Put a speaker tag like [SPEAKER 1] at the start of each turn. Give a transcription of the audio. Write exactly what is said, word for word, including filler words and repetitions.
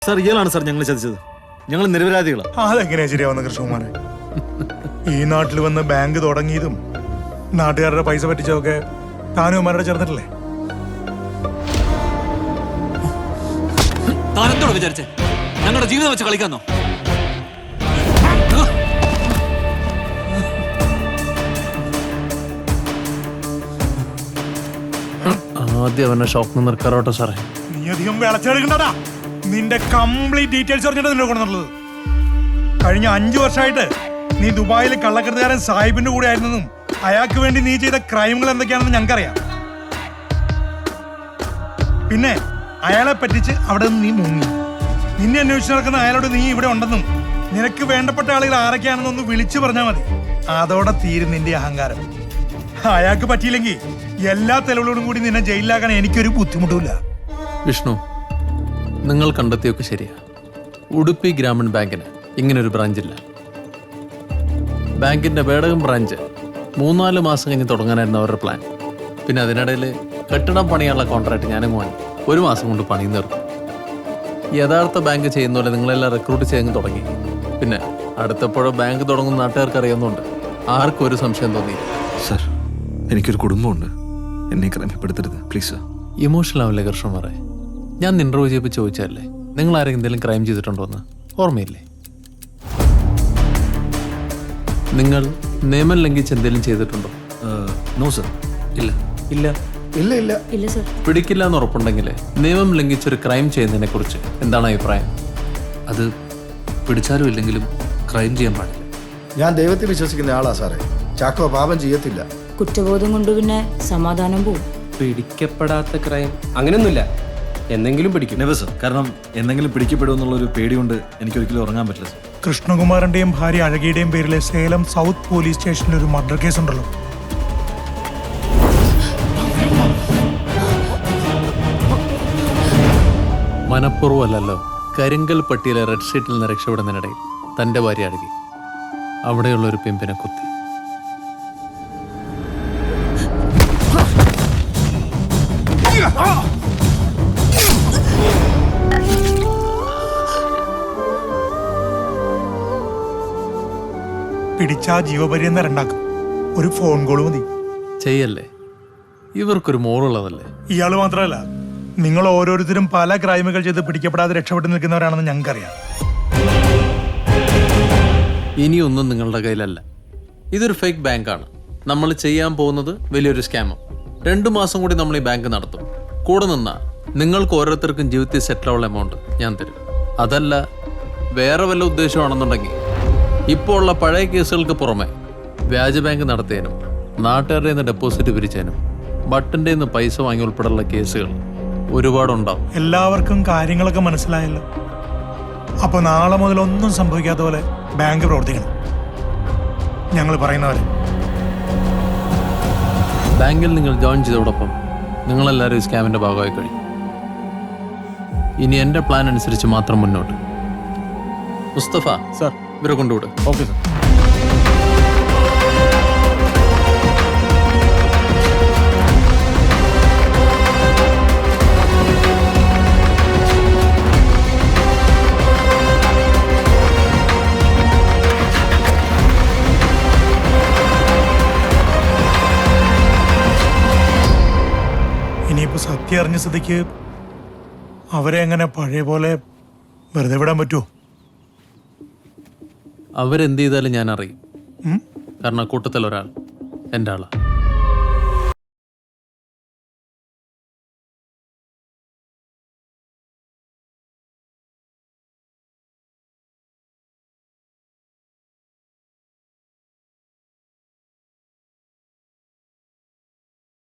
[SPEAKER 1] Sir ഇയാളാണ് sir ഞങ്ങൾ ചതിച്ചത്. ഞങ്ങൾ നിരപരാധികളാണ്.
[SPEAKER 2] അതെങ്ങനെയാ ശരിയാവുന്ന കൃഷ്ണകുമാരെ? ഈ നാട്ടിൽ വന്ന് ബാങ്ക് തുടങ്ങിയതും നാട്ടുകാരുടെ പൈസ പറ്റിച്ചതൊക്കെ താനുമാരുടെ ചേർന്നിട്ടില്ലേ?
[SPEAKER 3] താനെന്തോട് വിചാരിച്ചേ? ഞങ്ങളുടെ ജീവിതം വെച്ച് കളിക്കാന്നോ?
[SPEAKER 4] ആദ്യം അവനെ ഷോപ്പിൽ നിർക്കാറോട്ടെ സാറേ.
[SPEAKER 2] നീ അധികം വിളച്ചെടുക്കണ്ടടാ. നിന്റെ കംപ്ലീറ്റ് ഡീറ്റെയിൽസ് പറഞ്ഞിട്ട് നിന്നെ കൊണ്ടുള്ളത്. കഴിഞ്ഞ അഞ്ചു വർഷമായിട്ട് നീ ദുബായിൽ കള്ളക്കടത്തുകാരൻ സാഹിബിന്റെ കൂടെ ആയിരുന്നെന്നും അയാൾക്ക് വേണ്ടി നീ ചെയ്ത ക്രൈമുകൾ എന്തൊക്കെയാണെന്ന് ഞങ്ങൾക്കറിയാം. പിന്നെ അയാളെ പറ്റിച്ച് അവിടെ നിന്ന് നീ മുങ്ങി. നിന്നെ അന്വേഷിച്ച് നടക്കുന്ന അയാളോട് നീ ഇവിടെ ഉണ്ടെന്നും നിനക്ക് വേണ്ടപ്പെട്ട ആളുകൾ ആരൊക്കെയാണെന്നൊന്ന് വിളിച്ചു പറഞ്ഞാൽ മതി. അതോടെ തീരും നിന്റെ അഹങ്കാരം. അയാൾക്ക് പറ്റിയില്ലെങ്കിൽ എല്ലാ തെളിവുകളോടും കൂടി നിന്നെ ജയിലിലാക്കാൻ എനിക്കൊരു ബുദ്ധിമുട്ടുമില്ല.
[SPEAKER 4] വിഷ്ണു, നിങ്ങൾ കണ്ടെത്തിയൊക്കെ ശരിയാ. ഉടുപ്പി ഗ്രാമീൺ ബാങ്കിന് ഇങ്ങനൊരു ബ്രാഞ്ചില്ല. ബാങ്കിന്റെ വേടകം ബ്രാഞ്ച് മൂന്നാല് മാസം കഴിഞ്ഞ് തുടങ്ങാനായിരുന്നു അവരുടെ പ്ലാൻ. പിന്നെ അതിനിടയിൽ കെട്ടിടം പണിയാനുള്ള കോൺട്രാക്ട് ഞാനും വാങ്ങി. ഒരു മാസം കൊണ്ട് പണി നിർത്തും. യഥാർത്ഥ ബാങ്ക് ചെയ്യുന്ന പോലെ നിങ്ങളെല്ലാം റിക്രൂട്ട് ചെയ്ത് തുടങ്ങി. പിന്നെ അടുത്തപ്പോഴോ ബാങ്ക് തുടങ്ങുന്ന നാട്ടുകാർക്ക് അറിയാവുന്നതുകൊണ്ട് ആർക്കും ഒരു സംശയം തോന്നി.
[SPEAKER 1] സാർ, എനിക്കൊരു കുടുംബമുണ്ട്. എന്നെ ക്രമപ്പെടുത്തരുത് പ്ലീസ്.
[SPEAKER 4] ഇമോഷണൽ ആവില്ലേ കൃഷ്ണമാരെ? ഞാൻ ഇന്റർവ്യൂ ചെയ്യപ്പോൾ ചോദിച്ചല്ലേ നിങ്ങൾ ആരെങ്കിലും എന്തെങ്കിലും ക്രൈം ചെയ്തിട്ടുണ്ടോ എന്ന്? ഓർമ്മയില്ലേ? നിങ്ങൾ നിയമം ലംഘിച്ച് എന്തെങ്കിലും ചെയ്തിട്ടുണ്ടോ?
[SPEAKER 1] No sir. ഇല്ല
[SPEAKER 5] ഇല്ല
[SPEAKER 6] ഇല്ല ഇല്ല
[SPEAKER 7] ഇല്ല സർ.
[SPEAKER 4] പിടിക്കില്ല എന്ന് ഉറപ്പുണ്ടെങ്കിൽ നിയമം ലംഘിച്ചൊരു ക്രൈം ചെയ്യുന്നതിനെ കുറിച്ച് എന്താണ് അഭിപ്രായം?
[SPEAKER 5] അത് പിടിച്ചാലും ഇല്ലെങ്കിലും ക്രൈം ചെയ്യാൻ പാടില്ല.
[SPEAKER 6] ഞാൻ ദൈവത്തിൽ വിശ്വസിക്കുന്ന ആളാ സാറേ. ചാക്കോ പാപം ചെയ്യത്തില്ല.
[SPEAKER 7] കുറ്റബോധം കൊണ്ട് പിന്നെ സമാധാനം പോവും.
[SPEAKER 5] പിടിക്കപ്പെടാത്ത ക്രൈം അങ്ങനെയൊന്നുമില്ല. എന്തെങ്കിലും പിടിക്കും.
[SPEAKER 1] Never sir. കാരണം എന്തെങ്കിലും പിടിക്കപ്പെടുമെന്നുള്ളൊരു പേടിയുണ്ട് എനിക്കൊരിക്കലും ഉറങ്ങാൻ പറ്റില്ല സർ.
[SPEAKER 2] കൃഷ്ണകുമാറിന്റെയും ഭാര്യ അഴകിയുടെയും പേരിലെ സേലം സൗത്ത് പോലീസ് സ്റ്റേഷനിൽ ഒരു മർഡർ കേസ് ഉണ്ടല്ലോ.
[SPEAKER 4] മനഃപൂർവ്വമല്ലല്ലോ. കരിങ്കൽ പട്ടിയിലെ റെഡ് ഷീറ്റിൽ നിന്ന് രക്ഷപ്പെടുന്നതിനിടയിൽ തൻ്റെ ഭാര്യ അടങ്ങി അവിടെയുള്ള ഒരു പിമ്പിനെ കുത്തി.
[SPEAKER 2] പിടിച്ചാ ജീവപര്യന്തം രണ്ടാക്കും. ഒരു ഫോൺ കോൾ മതി.
[SPEAKER 4] ചെയ്യല്ലേ, ഇവർക്കൊരു മോളുള്ളതല്ലേ.
[SPEAKER 2] ഇയാള് മാത്രമല്ല, നിങ്ങൾ ഓരോരുത്തരും പല ക്രൈമുകൾ ചെയ്ത് പിടിക്കപ്പെടാതെ രക്ഷപ്പെട്ടു നിൽക്കുന്നവരാണെന്ന് ഞങ്ങൾക്കറിയാം.
[SPEAKER 4] ഇനിയൊന്നും നിങ്ങളുടെ കയ്യിലല്ല. ഇതൊരു ഫേക്ക് ബാങ്കാണ്. നമ്മൾ ചെയ്യാൻ പോകുന്നത് വലിയൊരു സ്കാമും. രണ്ടു മാസം കൂടി നമ്മൾ ഈ ബാങ്ക് നടത്തും. കൂടെ നിന്നാ നിങ്ങൾക്ക് ഓരോരുത്തർക്കും ജീവിതത്തിൽ സെറ്റിലുള്ള എമൗണ്ട് ഞാൻ തരും. അതല്ല വേറെ വല്ല ഉദ്ദേശമാണെന്നുണ്ടെങ്കിൽ ഇപ്പോൾ ഉള്ള പഴയ കേസുകൾക്ക് പുറമെ വ്യാജ ബാങ്ക് നടത്തിയതിനും നാട്ടുകാരുടെ നിന്ന് ഡെപ്പോസിറ്റ് പിരിച്ചതിനും ബട്ടൻ്റെ നിന്ന് പൈസ വാങ്ങി ഉൾപ്പെടെയുള്ള കേസുകൾ ഒരുപാടുണ്ടാവും.
[SPEAKER 2] എല്ലാവർക്കും കാര്യങ്ങളൊക്കെ മനസ്സിലായല്ലോ. അപ്പൊ നാളെ മുതൽ ഒന്നും സംഭവിക്കാത്ത പോലെ ബാങ്ക് പ്രവർത്തിക്കണം. ഞങ്ങൾ പറയുന്നവരെ
[SPEAKER 4] ബാങ്കിൽ നിങ്ങൾ ജോയിൻ ചെയ്തതോടൊപ്പം നിങ്ങളെല്ലാവരും ഈ സ്കാമിന്റെ ഭാഗമായി കഴിഞ്ഞു. ഇനി എൻ്റെ പ്ലാൻ അനുസരിച്ച് മാത്രം മുന്നോട്ട്. മുസ്തഫ
[SPEAKER 1] സാർ,
[SPEAKER 4] ഇവരെ കൊണ്ടുവിട്.
[SPEAKER 1] Okay sir.
[SPEAKER 2] ഇനിയിപ്പോ സത്യം അറിഞ്ഞ സ്ഥിതിക്ക് അവരെ എങ്ങനെ പഴയ പോലെ വെറുതെ വിടാൻ പറ്റുമോ?
[SPEAKER 4] അവരെന്ത് ചെയ്താലും ഞാൻ അറിയും.
[SPEAKER 2] ഉം?
[SPEAKER 4] കാരണം കൂട്ടത്തിൽ ഒരാൾ എൻ്റെ ആളാണ്.